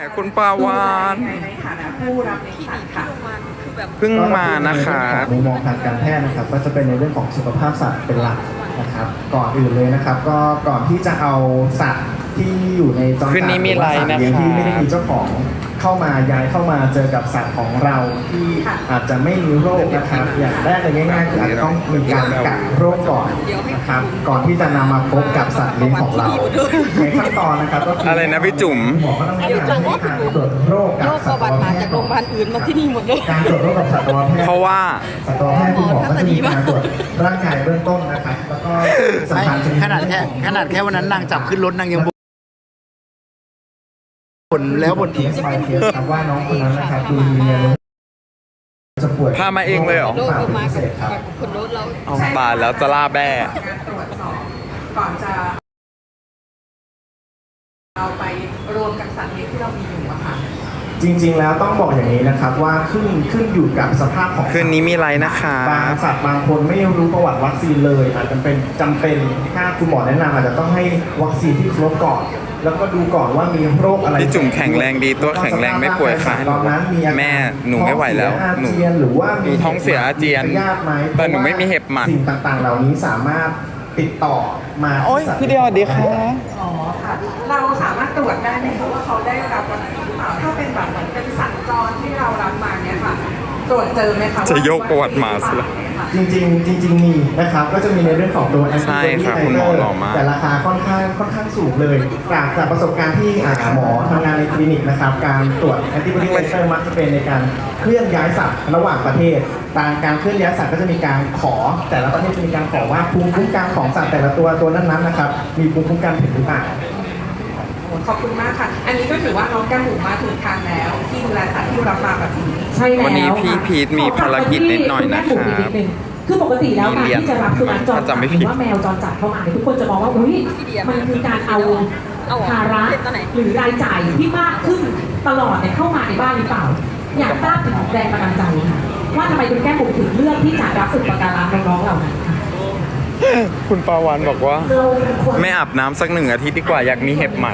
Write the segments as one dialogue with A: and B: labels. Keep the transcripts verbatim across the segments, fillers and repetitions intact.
A: คุณปาวาน
B: ในฐานะผู้รับเลี้ยงสัตว์ค่ะ
A: เพิ่งมานะคะ
C: มุมมองทางการแพทย์นะครับก็จะเป็นในเรื่องของสุขภาพสัตว์เป็นหลักนะครับก่อนอื่นเลยนะครับก็ก่อนที่จะเอาสัตว์ที่อยู่ในจอมสัตว์หรือว่าสัตว์เลี้ยงที่ไม่ได้มีเจ้าของเข้ามาย้ายเข้ามาเจอกับสัตว์ของเราที่อาจจะไม่มีโรคนะครับอย่างแรกเลยง่ายๆคืออาจจะต้องมีการกักโรคก่อนนะครับก่อนที่จะนำมาพบกับสัตว์เลี้ยงของเราในขั้นตอนนะครับก็คืออะไร
A: นะพี่จุ๋ม
C: หมอก็ต้องให้การให้การตรวจโรคกับสัตวแพทย์จากโรงพยาบาลอื่นมาที่นี่หมดเลยการตรวจโรคกับสัตวแพทย์
A: เพราะว่า
C: สัตวแพทย์คุณหมอก็จะมีการตรวจร่างกายเบื้องต้นนะครับแล้วก็สำคัญ
D: ขนาดแค่ขนาดแค่วันนั้นนางจับขึ้นรถนางยังบ่นแล้วบ่นอีก
C: ครับว่าน้องคนนั้นนะครับดูมีแนวโน้มจะป่วย
A: พามาเองเลยเหรอเอาตายแล้วจะล่าแบ่
B: ตรวจสอบก่อนจะเอาไปรวมกับสัตว์เลี้ยงที่เรามีอยู่อะค่ะ
C: จริงๆแล้วต้องบอกอย่างนี้นะครับว่าขึ้นขึ้นอยู่กับสภาพของ
A: คืนนี้มีอะไรนะคะ
C: บางสัตว์บางคนไม่รู้ประวัติวัคซีนเลยอาจจะเป็นจำเป็นถ้าคุณหมอแนะนำอาจจะต้องให้วัคซีนที่ครบก่อนแล้วก็ดูก่อนว่ามีโรคอะไร
A: พี่จุ๋มแข็งแรงดีตัวแข็งแรงไม่ป่วยค่ะแม่หนูไม่ไหวแล้วหนู
C: หรือว่า
A: มีท้องเสียอาเจียนแต่หนูไม่มีเห็บหมัด
C: สิ่งต่างๆเหล่านี้สามารถติดต่อมา
A: โอ้ยพี่เดียวดีค่ะ
B: อ๋อค่ะเราสามารถตรวจได้ไหมคะว่าเขาได้รับวัคซีนหรือเปล่าถ้าเป็นแบบเหมือนเป็นสัตว์จรที่เรารับมาเนี่ยค่ะตรวจเจอไหมคะ
A: จะยกประวัติมาสิละ
C: จริงๆจริงๆมีนะครับก็จะมีในเรื่องของตัวแอนติบอดีไทเตอร์แต่ราคาค่อนข้างค่อนข้างสูงเลยจากจากประสบการณ์ที่หมอทำงานในคลินิกนะครับการตรวจแอนติบอดีไทเตอร์มักจะเป็นในการเคลื่อนย้ายสัตว์ระหว่างประเทศการการเคลื่อนย้ายสัตว์ก็จะมีการขอแต่ละประเทศจะมีการขอว่าภูมิคุ้มกันของสัตว์แต่ละตัวตัวนั้นๆนะครับมีภูมิคุ้มกันถึงหรือเปล่า
B: ขอบคุณมากค่ะอันนี้ก็ถือว่าน้องแก้มหมูมาถูกทางแล้วที่ดูแลสัตว์ที่รับมาแบบนี้
A: ใช่แล้ววันนี้พี่พีทมีภารกิจนิดหน่อยนะครับ
E: คือปกติแล้วการที่จะรับสุนัขจรจัดหรือว่าแมวจรจัดเข้ามาทุกคนจะมองว่าอุ้ยมันคือการเอาภาระหรือรายจ่ายที่มากขึ้นตลอดเนี่ยเข้ามาในบ้านหรือเปล่าอยากทราบถึงแรงบันดาลใจค่ะว่าทำไมคุณแก้มบุ๋มถึงเลือกที่จะรับอุปการะน้องๆเหล่านั้นค่ะ
A: คุณปาวานบอกว่าไม่อาบน้ำสักหนึ่งอาทิตย์ดีกว่าอยากมีเห็บหมัด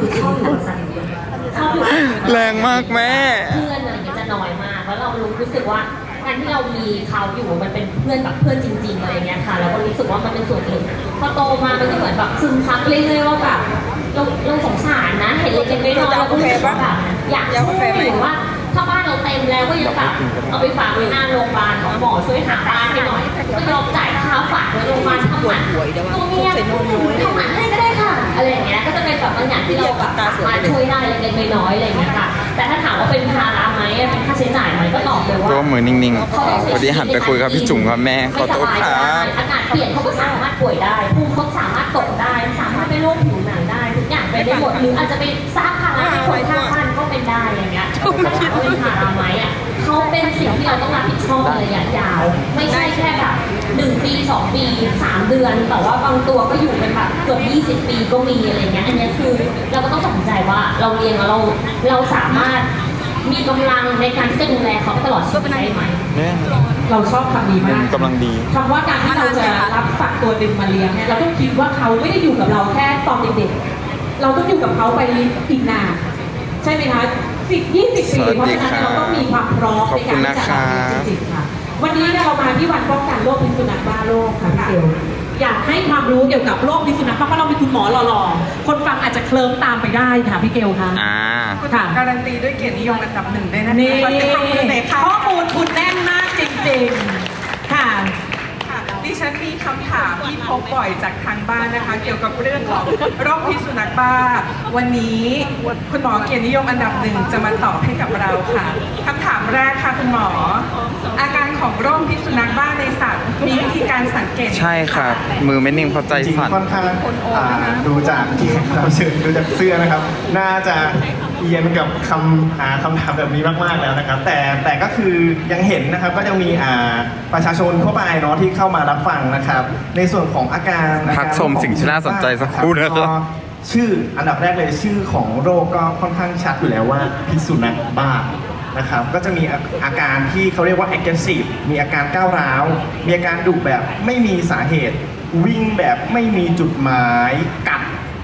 A: แรงมากแม่
F: เพื่อนเนี่ยจะน้อยมากแล้วเรารู้สึกว่าการที่เรามีเขาอยู่มันเป็นเพื่อนแบบเพื่อนจริงๆอะไรเงี้ยค่ะเราก็รู้สึกว่ามันเป็นส่วนหนึ่งพอโตมามันก็เหมือนแบบซึมซับเรื่อยๆว่าแบบเราเราสงสารนะเห็นเล็กๆน้อยๆเราก็รู้สึกว่าแบบอยากช่วยหรือว่าถ้าบ้านเราเต็มแล้วก็ยังแบบเอาไปฝากไว้หน้าโรงพยาบาลหมอช่วยหาบ้านให้หน่อยก็ยอมจ่ายค่าฝากไว้โรงพยาบาลทำหมันตัวเมียทำหมันให้ก็ได้ค่ะอะไรอย่างเงี้ยก็จะเป็นแบบบางอย่างที่เราแบบสามารถช่วยได้เล็กๆน้อยๆอะไรอย่างเงี้ยค่ะแต่ถ้าถามว่าเป็นภาระไหมเป็นค่าใช้จ่ายไหมก็ตอบเลยว่า
A: ตัวมือนิ่งๆพอดีหันไปคุยกับพี่จุ๋มครับแม่ขอโทษครับ
F: อากาศเปลี่ยนเขาก็สามารถป่วยได้ภูมิเขาสามารถตกได้สามารถเป็นโรคผิวหนังได้ทุกอย่างไปได้หมดหรืออาจจะไปสร้างภาระให้คนข้างบ้านก็เป็นได้อย่างเงี้ยเขาเป็นภาระไหมอ่ะเขาเป็นสิ่งที่เราต้องรับผิดชอบในระยะยาวไม่ใช่แค่แบบหนึ่งปีสองปีสามเดือนแต่ว่าบางตัวก็อยู่เป็นแบบเกือบยี่สิบปีก็มีอะไรเงี้ยอันนี้คือเราก็ต้องตัดสินใจว่าเราเรียนแล้วเราเราสามารถมีกำลังในการที่จะดูแลเขาตลอดชีวิตได้ไหม
E: เราชอบคำนี้มาก
A: กำลังดี
E: คำว่าการที่เราจะรับสัตว์ตัวหนึ่งมาเลี้ยงเนี่ยเราต้องคิดว่าเขาไม่ได้อยู่กับเราแค่ตอนเด็กๆเราต้องอยู่กับเขาไปอีกนานใช่ไหมคะสิบยี่สิบปีเพราะฉะนั้นเราต้องมีความพร้อมในการที่จะรับจริงๆค่ะวันนี้เรามาที่วันป้องกันโรคพิษสุนัขบ้าโลกค่ะพี่เกลอยากให้ความรู้เกี่ยวกับโรคพิษสุนัขเพราะเราเป็นคุณหมอหล่อๆคนฟังอาจจะเคลิ้มตามไปได้ค่ะพี่เกลค่ะ
A: อ่า
B: ค่ะการันตีด้วยเกียรตินิยมอันดับหนึ่งด้วยนะคะ
E: นี่ข้อมูลคุณแน่นมากจริงๆค่ะ
B: ดิฉันมีคำถามที่พบบ่อยจากทางบ้านนะคะเกี่ยวกับเรื่องของโรคพิษสุนัขบ้าวันนี้คุณหมอเกียรตินิยมอันดับหนึ่งจะมาตอบให้กับเราค่ะคำถามแรกค่ะคุณหมออาการของโรคพิษสุนัขบ้าในสัตว์มีวิธีการสังเกต
A: ใช่ครับมือไม่นิ่งเพราะใจสั่น
C: ค่อนข้างดูจากที่เราเชิญดูจากเสื้อนะครับน่าจะเอียนกับคำหาคำถามแบบนี้มากๆแล้วนะครับแต่แต่ก็คือยังเห็นนะครับก็ยังมีประชาชนทั่วไปเนาะที่เข้ามารับฟังนะครับในส่วนของอาการ
A: พักชมสิ่งที่น่าสนใจสักครู่นะครับ
C: ชื่ออันดับแรกเลยชื่อของโรคก็ค่อนข้างชัดอยู่แล้วว่าพิษสุนัขบ้านะครับก็จะมีอาการที่เขาเรียกว่า aggressive มีอาการก้าวร้าวมีอาการดุแบบไม่มีสาเหตุวิ่งแบบไม่มีจุดหมายกัด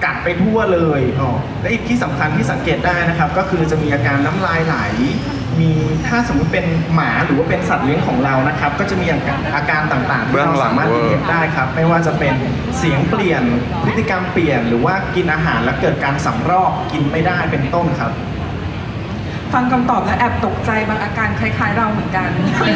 C: กัดไปทั่วเลยอ๋อและอีกที่สำคัญที่สังเกตได้นะครับ ก็คือจะมีอาการน้ำลายไหล มีถ้าสมมติเป็นหมาหรือว่าเป็นสัตว์เลี้ยงของเรานะครับ ก็จะมีอาการอาการต่างๆที่เราสามารถเห็นได้ครับ ไม่ว่าจะเป็นเสียงเปลี่ยนพฤติกรรมเปลี่ยน หรือว่ากินอาหารแล้วเกิดการสำรอกกินไม่ได้เป็นต้นครับ
B: ฟังคำตอบแล้วแอบตกใจบางอาการคล้ายๆเราเหมือนกัน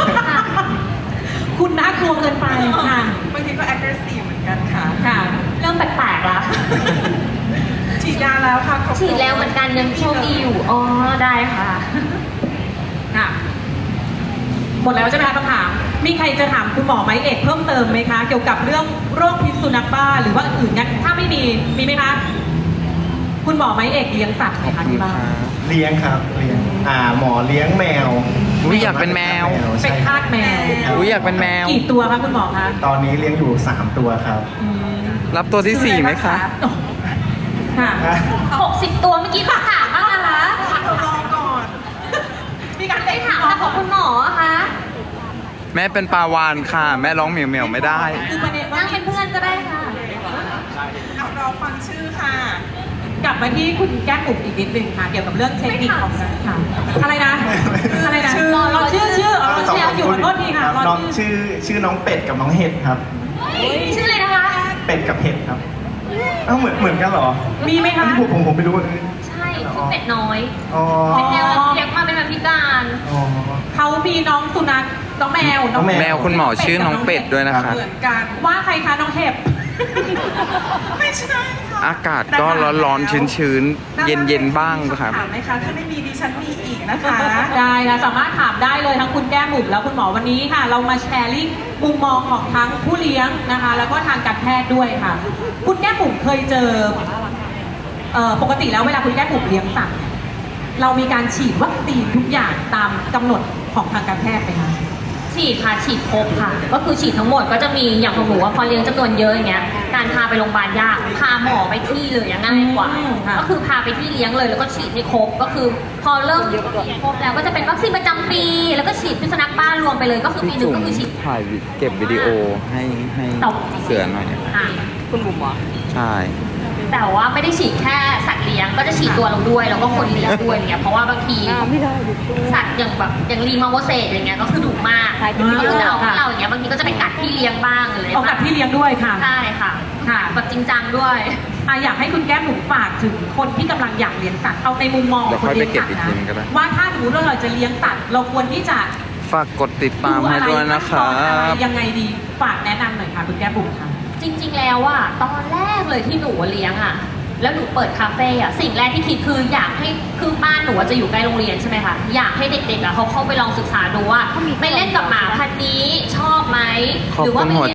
E: คุณน่ากลัวเกินไปค่ะ
B: บางทีก็ aggressive เหมือนกันค่ะ
E: ค่ะ
F: เริ่มแปลกๆละ
B: ฉีดยาแล้วค่ะครบ
F: ฉีดแล้วเหมือนกันยังโชคดีอยู่ อ๋อ ได้ค่ะ
E: ค่ะ หมดแล้วใช่ไหมคะคำถาม มีใครจะถามคุณหมอไม้เอกเพิ่มเติมไหมคะ เกี่ยวกับเรื่องโรคพิษสุนัขบ้าหรือว่าอื่นงั้นถ้าไม่มี มีไหมคะ คุณหมอไม้เอกเลี้ยงสัตว์ไหมคะที่บ้าน
C: เลี้ยงครับเลี้ยงอ่าหมอเลี้ยงแมว
A: อุ๊ยอยากเป็นแมว
C: ใช่
E: เป็นทาสแมว
A: อุ๊ยอยากเป็นแมว
E: กี่ตัวคะคุณหมอคะ
C: ตอนนี้เลี้ยงอยู่สามตัวครับ
E: อืม
A: รับตัวที่สี่ไหมคะ
E: ค่ะ
F: หกสิบตัวเมื่อกี้เขาถามบ้างนะคะ
B: เรารอก่อน
E: มีการ
F: ได้ถามแต่ของคุณหมออะคะ
A: แม่เป็นปลาวานค่ะ แม่ร้องเหมียวเหมียวๆไม่ได้
E: คือประเด็นว่า
F: นั่งเป็นเพื่อนก็ได้ค่ะ
B: เอาเราฟังชื่อค่ะ
E: กลับมาที่คุณแก้มบุ๋มอีกนิดนึงค่ะ เกี่ยวกับเรื่องเทคนิคของการค่ะ อะไรนะ อะไรนะ
B: ชื่อ
E: รอชื่อชื่ออ๋อ
C: สอง
E: เชียร์อยู่ขอโทษทีค่ะ
C: รับ
E: รอ
C: น้อง
E: ชื่อ
C: ชื่อชื่อน้องเป็ดกับน้องเห็ดครับ
F: ชื่ออะไรนะคะ
C: เป็ดกับเห็ดครับเอ้าเหมือนเหมือนกันเหรอ
E: มีไหม
C: อัน
E: คะ
C: นี้ผมผมผมไม่รู้
F: ใช่ชื่อเป็ดน้อย
C: อ๋อ
F: เป็นแนวเลี้ยงมาเป็นแบบพิการ
C: อ๋อ
E: เขามีน้องสุนัขน้องแมว
C: น้องแม
A: แมวคุณหมอชื่อน้องเป็ดด้วยนะคะ
B: เหมือนกัน
E: ว่าใครคะน้องเห็บ
B: ไม่ใช่ค่ะ
A: อากาศก็ร้อนๆชื้นๆ เย็นๆบ้างครับ
B: ถามไหมคะ ถ้าไม่มีดิฉันมีอีกนะคะ
E: ได้ค่ะสามารถถามได้เลยทั้งคุณแก้มบุ๋มแล้วคุณหมอวันนี้ค่ะ เรามาแชร์ลิงก์มุมมองของทั้งผู้เลี้ยงนะคะ แล้วก็ทางการแพทย์ด้วยค่ะ คุณแก้มบุ๋มเคยเจอเอ่อปกติแล้วเวลาคุณแก้มบุ๋มเลี้ยงสัตว์เรามีการฉีดวัคซีนทุกอย่างตามกำหนดของทางการแพทย์ไหมคะ
F: ฉีดค่ะฉีดครบค่ะ ก็คือฉีดทั้งหมดก็จะมีอย่างของหนูว่าพอเลี้ยงจำนวนเยอะอย่างเงี้ยการพาไปโรงพยาบาลยากพาหมอไปที่เลยอะง่ายกว่า
E: อืมค่ะ
F: ก็คือพาไปที่เลี้ยงเลยแล้วก็ฉีดให้ครบก็คือพอเริ่มฉีดครบแล้วก็จะเป็นวัคซีนประจำปี แล้วก็ฉีดพิษสุนัขบ้ารวมไปเลยก็คือปีหนึ่งก็คือฉีด
A: ถ่ายวิเก็บวิดีโอให้ให้เสือหน่อย
F: ค่ะ
A: ใช่
F: แต่ว่าไม่ได้ฉีดแค่สัตว์เลี้ยงก็จะฉีดตัวเราด้วยแล้วก็คนเลี้ยงด้วยอย่างเงี้ยเพราะว่าบางทีสัตว์อย่างแบบอย่างลีมาโวเซตอย่างเงี้ยก็คือดุมากก็คือจะเอาให้เราอย่างเงี้ยบางทีก็จะไปกัดพี่เลี้ยงบ้างอะไร
E: เอากับพี่เลี้ยงด้วยค่ะ
F: ใช่ค่ะ
E: ค่ะ
F: แบบจริงจังด้วย
E: อ่ะอยากให้คุณแก้มหนูฝากถึงคนที่กำลังอยากเลี้ยงสัตว์เอาในมุมมองของคนเลี้ยงสัตว์
A: เดี๋ยวค่อยไปเก็บอีกทีนึงก็ได้
E: นะว่าถ้าสมมติว่าเราจะเลี้ยงสัตว์เราควรที่จะ
A: ฝากกดติดตามให้ด้วยนะค
E: ดู
A: รั
E: อะไรขั้นตอนอะไร
A: บ
E: ยังไงดีฝากแนะนำหน่อยค่ะคุณแก้มบุ๋มค่ะ
F: จริง ๆ แล้วอะตอนแรกเลยที่หนูเลี้ยงอะแล้วหนูเปิดคาเฟ่อะสิ่งแรกที่คิดคืออยากให้คือบ้านหนูอะจะอยู่ใกล้โรงเรียนใช่ไหมคะอยากให้เด็กๆอะเขาเข้าไปลองศึกษาดูว่าไปเล่นกับหมาพันธุ์นี้ชอบไหม
A: ขอบ
F: หรือ
A: คุ
F: ว่า
A: ณ
F: ไป
A: หัว
F: เรียน